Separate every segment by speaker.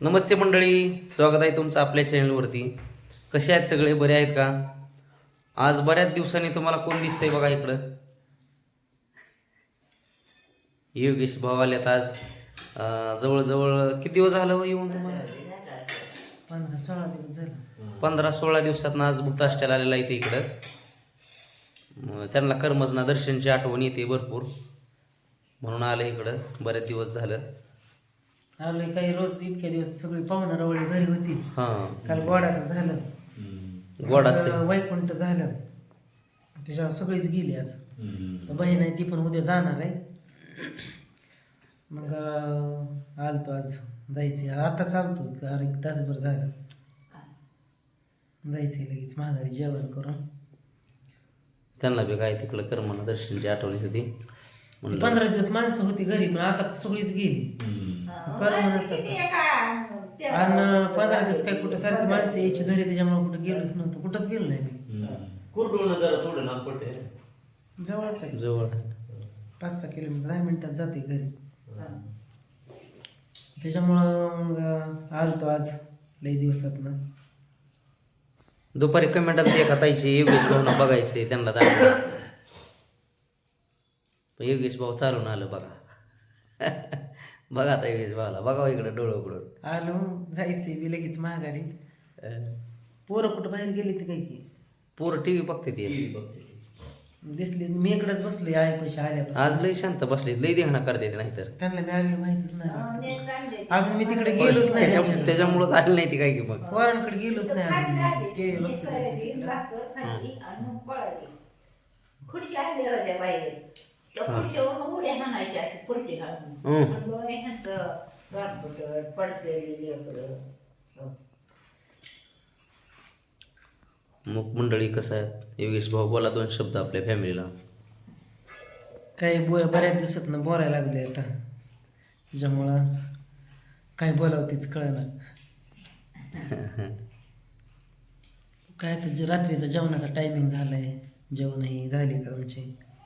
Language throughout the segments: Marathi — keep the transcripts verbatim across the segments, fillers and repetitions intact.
Speaker 1: नमस्ते मंडळी, स्वागत आहे तुमचं आपल्या चॅनलवरती. कसे आहेत सगळे? बरे आहेत का? आज बऱ्याच दिवसांनी तुम्हाला कोण दिसतंय बघा इकडं. योगेश भाऊ आलेत आज. अं, जवळजवळ किती दिवस झालं हो येऊन तुम्हाला?
Speaker 2: पंधरा सोळा दिवस झाले.
Speaker 1: पंधरा सोळा दिवसात आज भूताष्टाला आलेला इथे इकडं. अं, त्यांना कर्मजना दर्शनची आठवण येते भरपूर, म्हणून आलं इकडं. बरेच दिवस झालं
Speaker 2: आलोय. काही रोज इतक्या दिवस सगळी पाहुणा रवळी घरी होती.
Speaker 1: हां.
Speaker 2: काल गोडाचं झालं,
Speaker 1: गोडाचं
Speaker 2: आज वैकुंठ झालं, त्याच्यावर सगळीच गेली. आज तर बहीण आहे ती पण उद्या जाणार आहे. मग अं, आलतो आज. जायचे आता चालतो, अरे एक तासभर झालं. जायचंय लगेच माघारी जेवण करून.
Speaker 1: त्यांना बी काय तिकडं कर्मना दर्शनची आठवण होती म्हणलं.
Speaker 2: पंधरा दिवस माणसं होती घरी, पण आता सगळीच गेली. करमनाच आणि पंधरा दिवस काय कुठं सारखी माणसं यायची घरी, त्याच्यामुळे कुठं गेलोच नव्हतं. कुठंच गेलो नाही मी.
Speaker 3: कुरडून जरा थोडं लांब पडते.
Speaker 2: जवळच आहे,
Speaker 1: जवळ
Speaker 2: पाच सहा किलोमीटर, दहा मिनिटात जाते घरी. त्याच्यामुळं मग आलतो आज लई दिवसात ना.
Speaker 1: दुपारी कमेंटात एका ताईची योगेश भाऊना बघायचंय, त्यांना दाखवा. पण योगेश भाऊ चालून आलं बघा. बघा आता योगेश भाऊला बघा इकडे डोळं उघडून.
Speaker 2: आलो, जायचंय मी लगेच माघारी. पोरं कुठं बाहेर गेली ते काही की
Speaker 1: पोरं टी व्ही बघते ती.
Speaker 2: दिसली. मी इकडेच बसलोय आई पैसे आल्यापासून.
Speaker 1: आज लई शांत बसले, लई देहना करते ते. नाहीतर
Speaker 2: त्यांना मी आलेलं माहितीच नाही. अजून मी तिकडे गेलोच नाही.
Speaker 1: त्याच्या- त्याच्यामुळंच आली नाही ती काय की मग.
Speaker 2: पोरांकडे गेलोच नाही अजून मी. ते बघतो तिकडे.
Speaker 4: खुर्ची आणली होत्या बाहेर, त्या खुर्चीवरून उड्या हाणायच्या, अशी खुर्ची घालून. म्हणलं, ह्यांचं गाठपटट, पडलेली लेकरं.
Speaker 1: मग मंडळी कसं आहे, योगेश भाऊ बोला दोन शब्द आपल्या फॅमिलीला.
Speaker 2: काही बो बऱ्याच दिवसात ना बोलायला लागले आता, त्याच्यामुळं काय बोलावं तीच कळणार. काय तर जे रात्रीचा जेवणाचा टायमिंग झालाय, जेवणही झाले का तुमचे?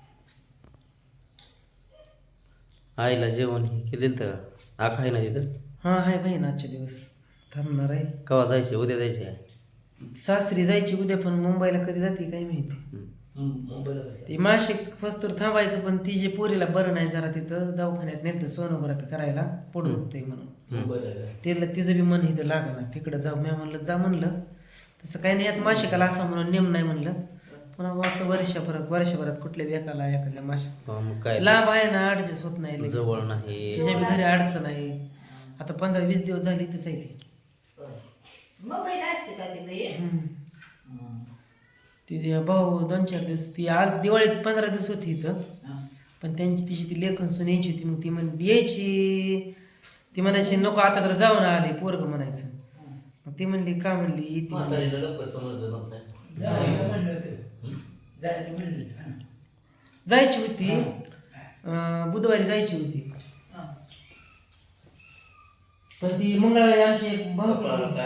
Speaker 1: आईला जेवण हे केलं तर आख आहे ना तिथं?
Speaker 2: हां आहे बहीण, आजचे दिवस थांबणार आहे.
Speaker 1: केव्हा जायचे? उद्या जायचे?
Speaker 2: सासरी जायची उद्या, पण मुंबईला कधी जाते काय माहिती. ती मासिक वस्तूर थांबायचं, पण ती जे पोरीला बरं नाही जरा, तिथं दवाखान्यात नेलं सोनोग्राफी करायला, पोट दुखतंय म्हणून. तिला तिचं बी मन इथं लागणार, तिकडं जाऊ. मी म्हणलं जा म्हणलं, तसं काही नाही. याच मासिकाला असं म्हणून नेम नाही म्हणलं. पण असं वर्षभरात वर्षभरात कुठल्या बेकाला एखाद्या मासिक
Speaker 1: मग काय
Speaker 2: लांब आहे ना, ऍडजस्ट होत नाही लगेच.
Speaker 1: जवळ नाही.
Speaker 2: तिच्या बी घरी अडचण आहे. आता पंधरा वीस दिवस झाली तिथंच आहे ती.
Speaker 4: मोबाईल असते का ते बहीण?
Speaker 2: तिथे भाऊ दोन चार दिवस, ती आज दिवाळीत पंधरा दिवस होती इथं. पण त्यांची तिची ती लेखन सून यायची होती. मग ती म्हण यायची, ती म्हणायची नको आता तर जाऊन आले पोरग म्हणायचं. मग ती म्हणली का म्हणली येते म्हणली. जायची होती, अं, बुधवारी जायची होती. पण ती मंगळवारी आमची एक भाऊ
Speaker 4: जाऊ दे,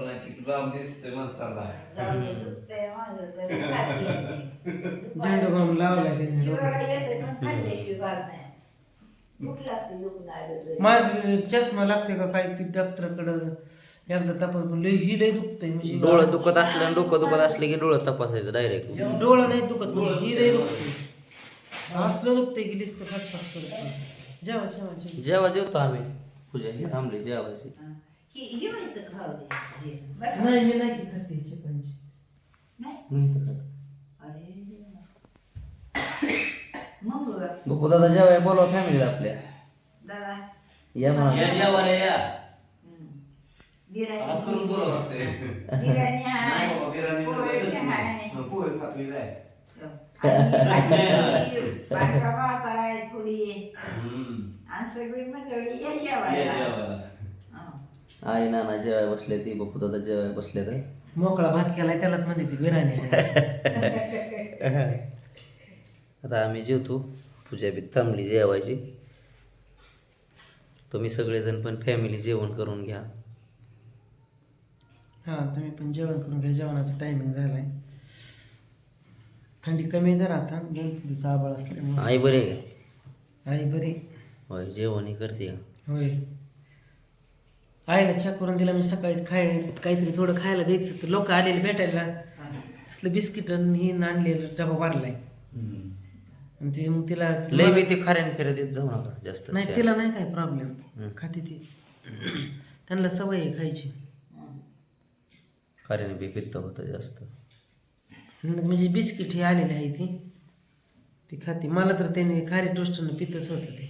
Speaker 4: दुखतंय माझं तर खाते.
Speaker 2: झेंडू बाम लावलाय त्यांनी डोक्यात.
Speaker 4: जेवायला येतंय, पण खाल्ल्याशिवाय बाग नाही. भूक लागते, दुखून आलं तरी.
Speaker 2: माझ चष्मा लागते का काय? ती डॉक्टरकडं एकदा तपास म्हणलं, ही लय दुखतंय म्हणजे.
Speaker 1: डोळं दुखत असलं आणि डोकं दुखत असले की डोळं तपासायचं डायरेक्ट.
Speaker 2: डोळं नाही दुखत, म्हणजे ही लय दुखतंय. असलं दुखतंय की लिस्ट फटफट करत. जेवा जेवा जेवा.
Speaker 1: जेव्हा जेवतो आम्ही, पूजा ही थांबली जेवायची.
Speaker 4: ही ही व्हायचं खाऊ दे. बस.
Speaker 2: नाही मी नाही की खाते चिकनची.
Speaker 4: नाही? अरे देवा. मग बघा.
Speaker 1: बघू दादा जेवाय बोलवा फॅमिलीला आपल्या.
Speaker 4: दादा,
Speaker 1: या म्हणा.
Speaker 4: हम्म. बिर्याणी बिर्याणी आहे, पोळ्याची आहे. आणि पांढरा भात आहे थोडी, आणि सगळी मंडळी या जेवायला. हं.
Speaker 1: आई नाना जेवाय बसले, ती बघू दादा जेवाय बसले तर.
Speaker 2: मोकळा भात केलाय त्यालाच म्हणते ती बिर्याणी.
Speaker 1: आता आम्ही जेवतो, पूजा बी थांबली जेवायची. तुम्ही सगळेजण पण फॅमिली जेवण करून घ्या.
Speaker 2: हा तुम्ही पण जेवण करून घ्या, जेवणाचा टायमिंग झालाय. थंडी कमी आहे जरा आता, दोन तीन दिवस आभाळ असल्यामुळे.
Speaker 1: आई बरे आहे का?
Speaker 2: आई बरी
Speaker 1: होय, जेवण करते का?
Speaker 2: होय. आईला चहा करून दिला म्हणजे सकाळी खाय काहीतरी थोडं खायला द्यायचं तर लोक आलेले भेटायला तसलं बिस्किट ही आणलेलं डबा भरलाय आणि ते मग तिला
Speaker 1: लय बी ते खाऱ्यान फिरा देत जाऊ नका जास्त
Speaker 2: नाही तिला नाही काय प्रॉब्लेम खाते ती त्यांना सवय आहे खायची
Speaker 1: खाऱ्याने बी पित्त होतं जास्त
Speaker 2: म्हणजे बिस्किट ही आलेली आहे ती ती खाते मला तर त्याने खारी टोस्टनं पितच होतं ते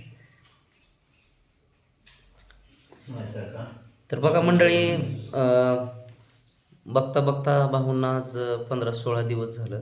Speaker 1: तर बघा मंडळी अं, बघता बघता भाऊंना आज पंधरा सोळा दिवस झालं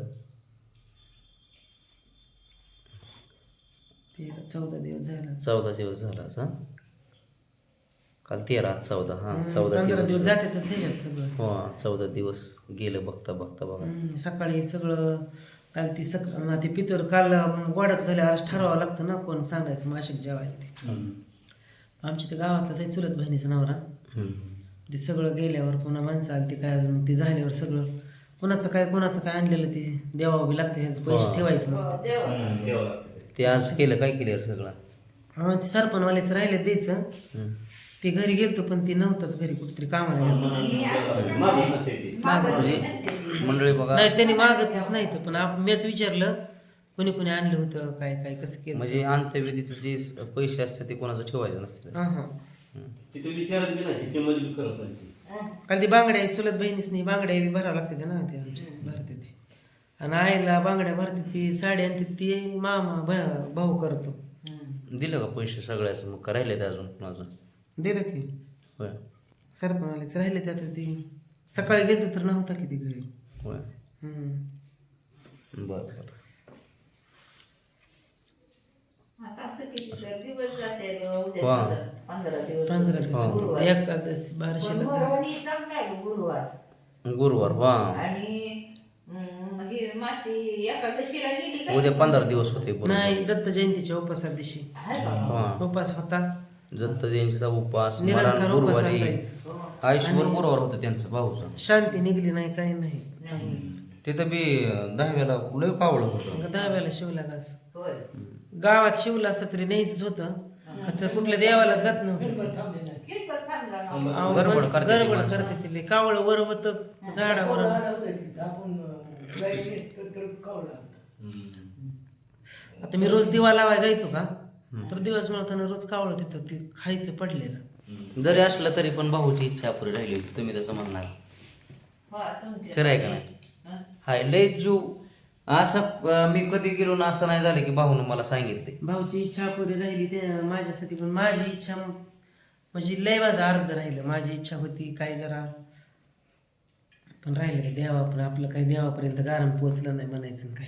Speaker 2: तेरा चौदा दिवस झाला
Speaker 1: चौदा दिवस झाला हा काल तेरा आज चौदा हा चौदा
Speaker 2: पंधरा
Speaker 1: दिवस
Speaker 2: दिवस जाते तर त्याच्यात सगळं
Speaker 1: हो चौदा दिवस गेलं बघता बघता बघा
Speaker 2: हम्म, सकाळी सगळं काल ती सक ते पितर काल गोडाच झाल्यावर ठरवावं लागतं ना कोण सांगायचं माशिक जेवायला ते आमच्या ते गावातलाच आहे चुलत बहिणीचा नवरा
Speaker 1: हम्म.
Speaker 2: ते सगळं गेल्यावर पुन्हा माणसं आली ते काय अजून ते झाल्यावर सगळं कोणाचं काय कोणाचं काय आणलेलं ते देवावं बी लागतं ह्याचं पैसे ठेवायचं नसतं
Speaker 4: देवा
Speaker 1: ते आज केलं काय केलं सगळं
Speaker 2: हा ते सरपणवाल्याचं राहिलं द्यायचं
Speaker 1: हम्म.
Speaker 2: ते घरी गेलतो पण ते नव्हतंच घरी कुठेतरी कामाला गेलतो
Speaker 3: मागे नसते ती
Speaker 1: म्हणजे मंडळी बघा
Speaker 2: नाही त्यांनी मागतलंच नाही तर पण आप- मीच विचारलं कोणी कोणी आणलं होतं काय काय कसं केलं
Speaker 1: म्हणजे अंत्यविधीचं जे पैसे असतात ते कोणाचं ठेवायचं नसतं
Speaker 2: हा हा
Speaker 3: तिथे विचारत बी नाही तिथे मजबूत करत नाही
Speaker 2: काल ती बांगड्या चुलत बहिणीच नाही बांगड्या बी भरावं लागते ते ना ते आमच्या भरते ते आणि आईला बांगड्या भरते ती साडी आणते ती मामा भा- भाऊ करतो
Speaker 1: दिलं का पैसे सगळ्याचं मग राहिले ते अजून माझं
Speaker 2: दिलं की
Speaker 1: होय
Speaker 2: सरपणालाच राहिले त्यात ती सकाळी गेलो तर नव्हता किती घरी
Speaker 1: होय
Speaker 2: हम्म.
Speaker 1: बरं बरं
Speaker 4: आता असं किती तर दिवस जाते रे, उद्या
Speaker 1: वा.
Speaker 4: पंधरा- पंधरा दिवस
Speaker 2: पंधरा
Speaker 4: गुरुवार.
Speaker 2: दिवस एकादश
Speaker 4: पण
Speaker 2: बारशेला
Speaker 4: गुरुवारी चांगला आहे गुरुवार
Speaker 1: गुरुवार वा
Speaker 4: आणि हम्म, ही माती एकादशीला गेली काय?
Speaker 1: उद्या पंधरा दिवस होते बरोबर.
Speaker 2: नाही दत्त जयंतीच्या उपासा दिवशी
Speaker 4: आहे का?
Speaker 1: हा
Speaker 2: उपास होता
Speaker 1: दत्त जयंतीचा उपवास
Speaker 2: निरंकार
Speaker 1: मरण
Speaker 2: उपास
Speaker 1: गुरुवारी
Speaker 2: असायचा
Speaker 4: हो.
Speaker 1: आयुष्यभर गुरुवार होतं त्यांचं भाऊचं
Speaker 2: शांती निघली नाही काही नाही चांगलं
Speaker 1: तिथं बी दहाव्याला लय कावळं होतं
Speaker 2: मग दहाव्याला शिवला घास
Speaker 4: होय.
Speaker 2: गावात शिवला असं तरी न्यायचंच होतं तर कुठल्या देवाला जात नव्हतं
Speaker 4: किरकोळ थांबला ना.
Speaker 2: अहो,
Speaker 1: गडबड
Speaker 2: माणसं
Speaker 1: करते ती
Speaker 2: गडबड
Speaker 1: माणसं.
Speaker 2: करते तिले कावळ वर होतं झाडावर आता मी रोज दिवा लावायला जायचो का तर दिवस मिळताना रोज कावळ तिथं ते खायचं पडलेलं
Speaker 1: जरी असलं तरी पण भाऊची इच्छा पुरी राहिली होती तुम्ही तसं म्हणणार
Speaker 4: हो, तुमच्या-
Speaker 1: खरं आहे का नाही
Speaker 4: हं?
Speaker 1: हाय लय जीव असं अं, मी कधी गेलो ना असं नाही झालं की भाऊनं मला सांगितले
Speaker 2: भाऊची इच्छा पुरी राहिली ते माझ्यासाठी पण माझी इच्छा म्हणजे लय माझं अर्ध राहिलं माझी इच्छा होती काय जरा पण राहिलं की देवा पण आपलं काही देवापर्यंत गारम पोचलं नाही म्हणायचं काय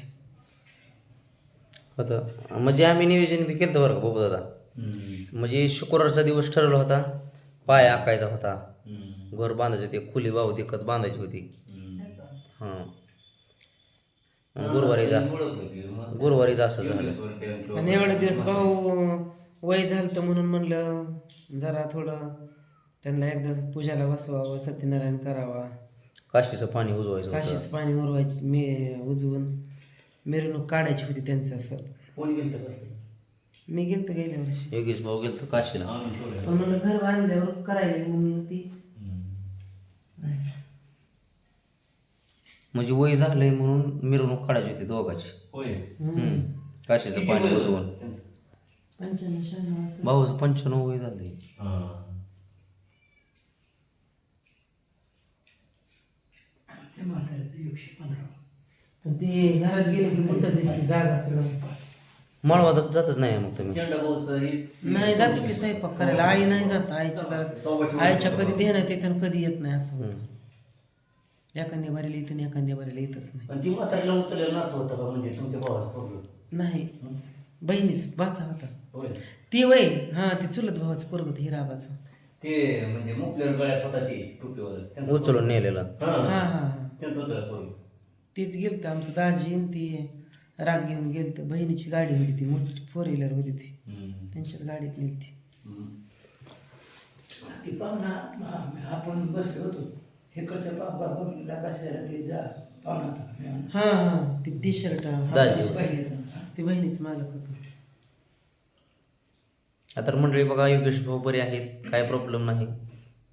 Speaker 1: होतं म्हणजे आम्ही नियोजन बी केलं बरं का बाबू दादा म्हणजे शुक्रवारचा दिवस ठरवला होता पाय आकायचा होता घर बांधायचे होते खुली भाऊ दिकत बांधायची होती हां गुरुवारी जा गुरुवारीच असं झालं
Speaker 2: आणि एवढे दिवस भाऊ वय झालं तर म्हणून म्हणलं जरा थोडं त्यांना एकदा पूजाला बसवावं सत्यनारायण करावा
Speaker 1: काशीचं पाणी उजवायचं होतं.
Speaker 2: काशीचं पाणी उरवायची मी उजवून मिरवणूक काढायची होती त्यांचं असं
Speaker 3: कोणी गेलं कसं
Speaker 2: मी गेलतो गेल्या वर्षी
Speaker 1: योगेश भाऊ गेलं तर काशीला
Speaker 3: आणून ठेवलं.
Speaker 2: पण म्हणलं घर बांधल्यावर करायला म्हणून ती
Speaker 1: म्हणजे वय झालंय म्हणून मिरवणूक काढायची होती दोघाची
Speaker 3: होय
Speaker 1: हम्म. काशीचं
Speaker 3: किती
Speaker 1: पाणी
Speaker 3: वय
Speaker 1: उजवून
Speaker 3: होतं त्यांचं?
Speaker 2: पंच्याण्णव शहाण्णव असं
Speaker 1: भाऊचं पंच्याण्णव वय झालंय
Speaker 3: हा.
Speaker 2: पण ते घरात गेले की मुचत दिसते जागा सगळं
Speaker 1: मळवादात जातच नाही मग तुम्ही
Speaker 3: चेंडा भाऊचं हे-
Speaker 2: नाही जातो की स्वयंपाक करायला आई नाही जात आईच्या घरात आईच्या कधी देण्यात येतं आणि कधी येत नाही असं होतं एखाद्या बारीला येतं आणि एखाद्या बारीला येतच नाही
Speaker 3: आणि ती म्हातारीला उचललेलं नातं होतं का म्हणजे तुमच्या भावाचं पोरगं?
Speaker 2: नाही बहिणीच बाचा होता
Speaker 3: होय
Speaker 2: ती वय हा ती चुलत भावाचं पोरग होतं हिराबाचं
Speaker 3: ते म्हणजे मुकलेर गळ्यात होता ते टोपीवर त्यांचं
Speaker 1: उचलून नेलेलं
Speaker 3: हा,
Speaker 2: हा
Speaker 3: हा.
Speaker 2: हा हा
Speaker 3: त्यांचं होतं पोरगं.
Speaker 2: तेच गेलतं आमचं दाजी आणि ती राग घेऊन गेलतं बहिणीची गाडी होती ती मोठी फोर व्हीलर होती ती
Speaker 3: हम्म.
Speaker 2: त्यांच्याच गाडीत नेलती
Speaker 3: हम्म.
Speaker 5: ती पाहुणा आ- आपण बसलो होतो इकडच्या बघितला बसलेला ते जा पाहुणा होता मी म्हणलं,
Speaker 2: हा हा ती टी शर्ट
Speaker 1: दाजी
Speaker 5: बहिणीचं.
Speaker 2: ती बहिणीच मालक होतं
Speaker 1: आता मंडळी बघा योगेश भाऊ बरे आहेत काय प्रॉब्लेम नाही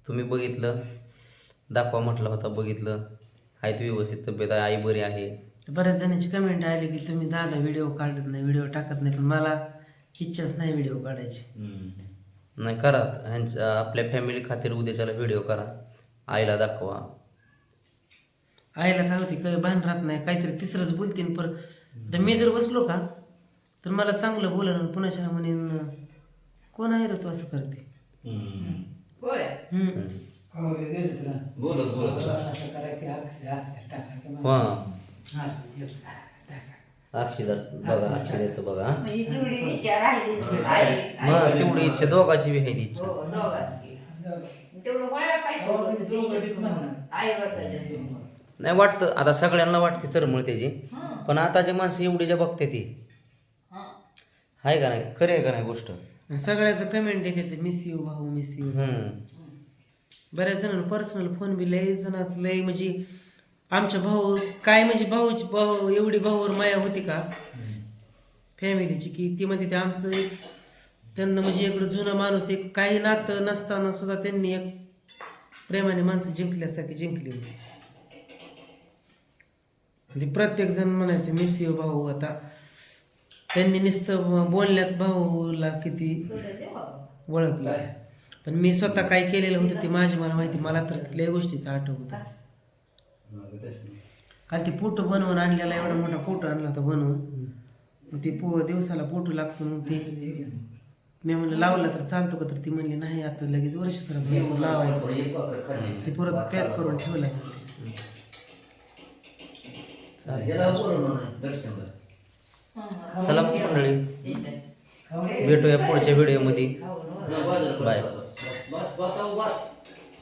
Speaker 1: तुम्ही बघितलं, दाखवा म्हटलं होता, बघितलं. आहेत व्यवस्थित, तब्येत आहे, आई बरी आहे.
Speaker 2: बऱ्याच जणांची कमेंट आली की तुम्ही दादा व्हिडिओ काढत नाही, व्हिडिओ टाकत नाही, पण मला इच्छाच नाही व्हिडिओ काढायची.
Speaker 1: नाही करा, ह्यांच्या आपल्या फॅमिली खातीर उद्याच्याला व्हिडिओ करा, आईला दाखवा.
Speaker 2: आईला काय होते काय भान राहत नाही, काहीतरी तिसरंच बोलतीन. पर तर मी जर बसलो का तर मला चांगलं बोलणं, पुन्हा म्हणेन कोण आहे रे तू असं करते.
Speaker 4: होय
Speaker 2: हम्म.
Speaker 5: हो गेलं तुला
Speaker 3: बोलत बोलत
Speaker 5: असं करा की हात हात टाकायचं
Speaker 1: हां
Speaker 5: हात टाका.
Speaker 1: अक्षीदार बघा, अक्षीदाचं बघा.
Speaker 4: म्हणजे तेवढी विचार राहिली आई
Speaker 1: मग तेवढी इच्छा दोघाची बी आहे ती इच्छा.
Speaker 4: हो दोघांची तेवढं वळा पाहिजे आई वडिलांच्या समोर.
Speaker 1: नाही वाटतं, आता सगळ्यांना वाटते तर मग त्याची, पण आताची माणसं एवढी जे बघते ती आहे का नाही, खरी आहे का नाही गोष्ट.
Speaker 2: सगळ्याचं कमेंट येते मिस यू भाऊ, मिस यू.
Speaker 1: हम्म.
Speaker 2: बऱ्याच जणांना पर्सनल फोन बी लय जणांच लय, म्हणजे आमच्या भाऊ काय म्हणजे भाऊची भाऊ एवढी भाऊवर माया होती का फॅमिलीची, की ती म्हणते ते आमचं एक त्यांना म्हणजे इकडं जुना माणूस एक काही नातं नसताना सुद्धा त्यांनी एक प्रेमाने माणसं जिंकल्यासारखी जिंकली होती. म्हणजे प्रत्येक जण म्हणायचं मिस यू भाऊ. आता त्यांनी नुसतं बोलण्यात भाऊला किती ओळखलं, पण मी स्वतः काय केलेलं होतं ते माझी मला माहिती. मला तर लय गोष्टीचं आठव होतं. काल ते फोटो बनवून आणलेला, एवढा मोठा फोटो आणला होता बनवून. मग ते पो दिवसाला फोटो लागतो, मग ते मी म्हणलं लावला तर चालतो का, तर ती म्हणली नाही आता लगेच वर्ष सर लावायचं, ते परत पॅक करून ठेवलं.
Speaker 1: चला मग मंडळी, भेटूया पुढच्या व्हिडिओमध्ये. बाय.
Speaker 3: बस बस बस